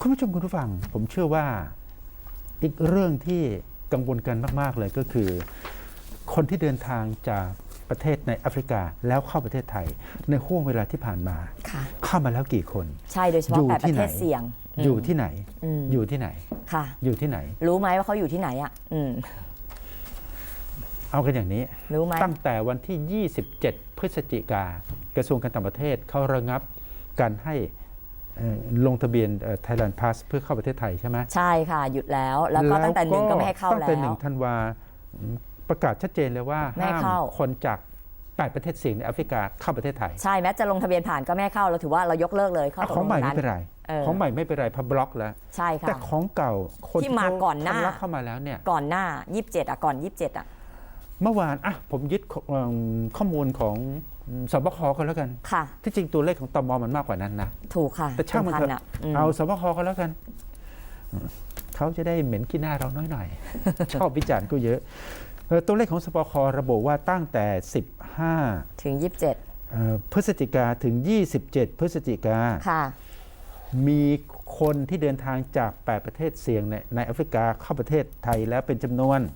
คุณผู้ชมคุณผู้ฟังผมเชื่อว่าอีกเรื่องที่กังวลกันมากๆเลยก็คือคนที่เดินทางจากประเทศในแอฟริกาแล้วเข้าประเทศไทยในห่วงเวลาที่ผ่านมาเข้ามาแล้วกี่คนใช่โดยเฉพาะ8ประเทศเสี่ยงอยู่ที่ไหนอยู่ที่ไหนค่ะอยู่ที่ไหนรู้ไหมว่าเขาอยู่ที่ไหนอ่ะเอากันอย่างนี้รู้ไหมตั้งแต่วันที่ 27 พฤศจิกากระทรวงการต่างประเทศเขาระงับการให้ลงทะเบียน Thailand Pass เพื่อเข้าประเทศไทยใช่ไหมใช่ค่ะหยุดแล้วแล้วก็ตั้งแต่1ก็ไม่ให้เข้าแล้วตั้งแต่1 ธันวาประกาศชัดเจนเลยว่าห้ามคนจาก8ประเทศเสี่ยงในแอฟริกาเข้าประเทศไทยใช่แม้จะลงทะเบียนผ่านก็ไม่ให้เข้าเราถือว่าเรายกเลิกเลยข้อตกลงนั้นของใหม่ไม่เป็นไรของใหม่ไม่เป็นไรพับบล็อกแล้วใช่ค่ะแต่ของเก่าคนที่มาก่อนหน้าเข้ามาแล้วเนี่ยก่อนหน้า27ก่อน27 เมื่อวานผมยึดข้อมูลของสบคก็แล้วกันค่ะที่จริงตัวเลขของตม.มันมากกว่านั้นนะถูกค่ะแต่ช่างมันเถอะเอาสบคก็แล้วกันเขาจะได้เหม็นขี้หน้าเราน้อยหน่อยชอบวิจารณ์ก็เยอะตัวเลขของสบคระบุว่าตั้งแต่15 ถึง27 พฤศจิกาถึง27พฤศจิกาค่ะมีคนที่เดินทางจาก8ประเทศเสี่ยงในแอฟริกาเข้าประเทศไทยแล้วเป็นจำนวน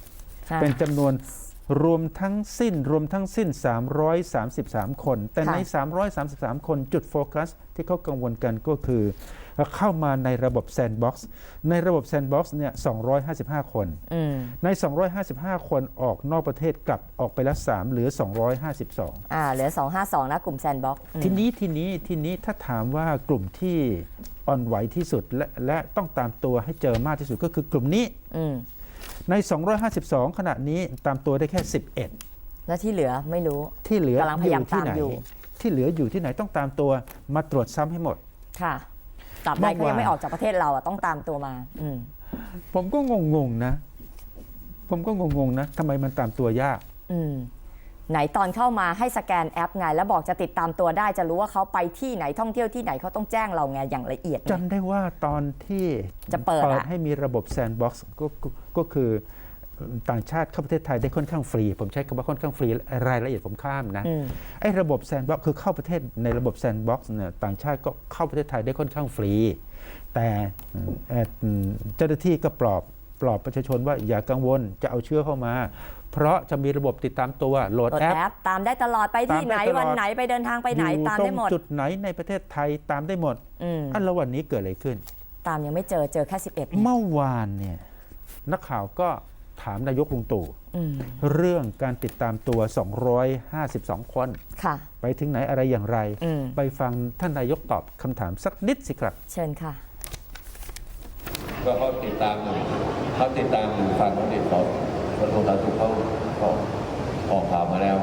รวมทั้งสิ้น333คนแต่ใน333คนจุดโฟกัสที่เขากังวลกันก็คือเข้ามาในระบบแซนด์บ็อกซ์ในระบบแซนด์บ็อกซ์เนี่ย255คนใน255คนออกนอกประเทศกลับออกไปแล้ว3เหลือ252 เหลือ252นะกลุ่มแซนด์บ็อกซ์ทีนี้ถ้าถามว่ากลุ่มที่อ่อนไหวที่สุดและต้องตามตัวให้เจอมากที่สุดก็คือกลุ่มนี้ใน252ขณะนี้ตามตัวได้แค่11 แล้วที่เหลือไม่รู้ที่เหลือกำลังพยายามตามอยู่ที่เหลืออยู่ที่ไหนต้องตามตัวมาตรวจซ้ำให้หมดค่ะตราบใดเขายังไม่ออกจากประเทศเราต้องตามตัวมาผมก็งงนะทำไมมันตามตัวยากไหนตอนเข้ามาให้สแกนแอปไงแล้วบอกจะติดตามตัวได้จะรู้ว่าเขาไปที่ไหนท่องเที่ยวที่ไหนเขาต้องแจ้งเราไงอย่างละเอียดจำได้ว่าตอนที่จะเปิดให้มีระบบแซนด์บ็อกซ์ก็คือต่างชาติเข้าประเทศไทยได้ค่อนข้างฟรีผมใช้คำว่าค่อนข้างฟรีรายละเอียดผมข้ามนะไอ้ระบบแซนด์บ็อกซ์คือเข้าประเทศในระบบแซนด์บ็อกซ์เนี่ยต่างชาติก็เข้าประเทศไทยได้ค่อนข้างฟรีแต่เจ้าหน้าที่ก็ปลอบประชาชนว่าอย่ากังวลจะเอาเชื้อเข้ามาเพราะจะมีระบบติดตามตัวโหลดแอปตามได้ตลอดไปที่ไหนวันไหนไปเดินทางไปไหนตามได้หมดจุดไหนในประเทศไทยตามได้หมดแล้ววันนี้เกิดอะไรขึ้นตามยังไม่เจอแค่11 เมื่อวานเนี่ยนักข่าวก็ถามนายกลุงตู่เรื่องการติดตามตัว252คนไปถึงไหนอะไรอย่างไรไปฟังท่านนายกตอบคำถามสักนิดสิครับเชิญค่ะก็เขาติดตามอยู่ฟังเขาติดต่อกระทรวงสาธารณสุขเขาออกข่าวมาแล้ว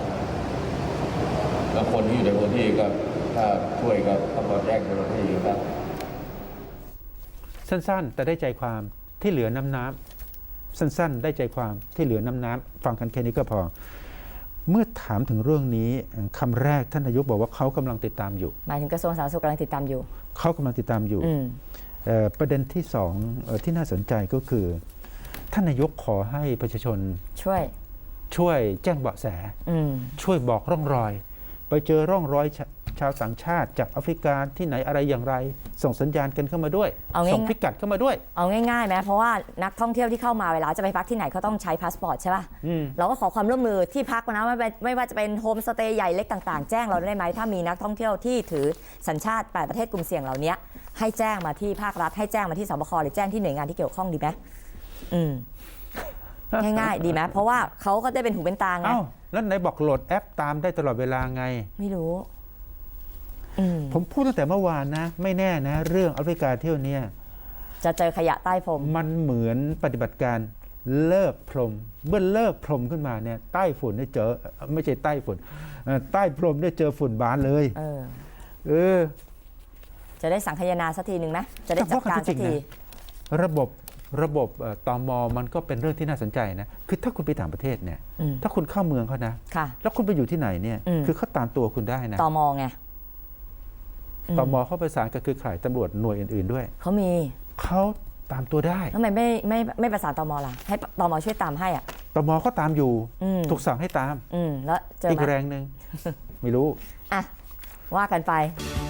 แล้วคนที่อยู่ในพื้นที่ก็ถ้าช่วยก็ต้องมาแจ้งเจ้าหน้าที่ครับสั้นๆแต่ได้ใจความที่เหลือน้ำสั้นๆได้ใจความที่เหลือน้ำฟังกันแค่นี้ก็พอเมื่อถามถึงเรื่องนี้คำแรกท่านนายกบอกว่าเขากำลังติดตามอยู่หมายถึงกระทรวงสาธารณสุขกำลังติดตามอยู่เขากำลังติดตามอยู่ประเด็นที่สองที่น่าสนใจก็คือท่านนายกขอให้ประชาชนช่วยแจ้งเบาะแสช่วยบอกร่องรอยไปเจอร่องรอยชาวต่างชาติจากแอฟริกาที่ไหนอะไรอย่างไรส่งสัญญาณกันเข้ามาด้วยส่งพิกัดเข้ามาด้วยเอาง่ายๆไหมเพราะว่านักท่องเที่ยวที่เข้ามาเวลาจะไปพักที่ไหนเขาต้องใช้พาสปอร์ตใช่ป่ะเราก็ขอความร่วมมือที่พักนะไม่ว่าจะเป็นโฮมสเตย์ใหญ่เล็กต่างๆแจ้งเราได้ไหมถ้ามีนักท่องเที่ยวที่ถือสัญชาติ8ประเทศกลุ่มเสี่ยงเหล่านี้ให้แจ้งมาที่ภาครัฐให้แจ้งมาที่สบคหรือแจ้งที่หน่วยงานที่เกี่ยวข้องดีไหมง่ายๆดีไหมเพราะว่าเขาก็ได้เป็นหูเป็นตาไงแล้วไหนบอกโหลดแอปตามได้ตลอดเวลาไงไม่รู้ผมพูดตั้งแต่เมื่อวานนะไม่แน่นะเรื่องแอฟริกาเที่ยวนี้จะเจอขยะใต้พรมมันเหมือนปฏิบัติการเลิกพรมเมื่อเลิกพรมขึ้นมาเนี่ยใต้ฝุ่นได้เจอไม่ใช่ใต้ฝุ่นใต้พรมได้เจอฝุ่นบานเลยจะได้สังคายนาสักทีหนึ่งไหมจะได้จัดการสักทีระบบตม.มันก็เป็นเรื่องที่น่าสนใจนะคือถ้าคุณไปต่างประเทศเนี่ยถ้าคุณเข้าเมืองเขานะแล้วคุณไปอยู่ที่ไหนเนี่ยคือเขาตามตัวคุณได้นะตม.ไงตม.เขาประสานกับเครือข่ายตำรวจหน่วยอื่นๆด้วยเขาตามตัวได้ทำไมไม่ประสานตม.ล่ะให้ตม.ช่วยตามให้ตม.เขาตามอยู่ถูกสั่งให้ตามแล้วเจออีกแรงหนึ่งไม่รู้ว่ากันไป